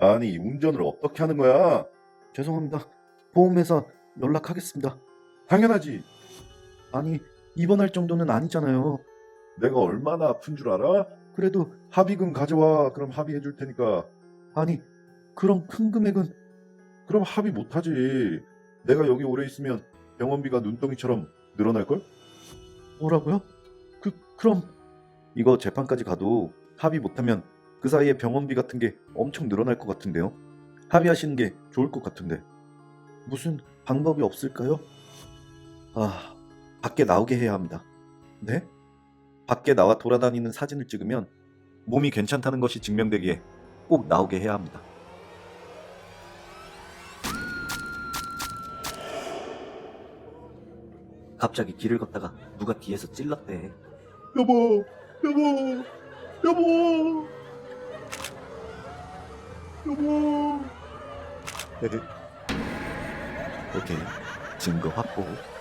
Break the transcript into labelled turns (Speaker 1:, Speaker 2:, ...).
Speaker 1: 아니, 운전을 어떻게 하는 거야?
Speaker 2: 죄송합니다. 보험회사 연락하겠습니다.
Speaker 1: 당연하지.
Speaker 2: 아니, 입원할 정도는 아니잖아요.
Speaker 1: 내가 얼마나 아픈 줄 알아?
Speaker 2: 그래도
Speaker 1: 합의금 가져와. 그럼 합의해 줄 테니까.
Speaker 2: 아니, 그럼 큰 금액은
Speaker 1: 그럼 합의 못하지. 내가 여기 오래 있으면 병원비가 눈덩이처럼 늘어날걸?
Speaker 2: 뭐라고요? 그럼 이거 재판까지 가도 합의 못하면 그 사이에 병원비 같은 게 엄청 늘어날 것 같은데요. 합의하시는 게 좋을 것 같은데 무슨 방법이 없을까요? 아, 밖에 나오게 해야 합니다. 네? 밖에 나와 돌아다니는 사진을 찍으면 몸이 괜찮다는 것이 증명되기에 꼭 나오게 해야 합니다. 갑자기 길을 걷다가 누가 뒤에서 찔렀대.
Speaker 1: 여보, 여보, 여보, 여보.
Speaker 2: 오케이, 증거 확보.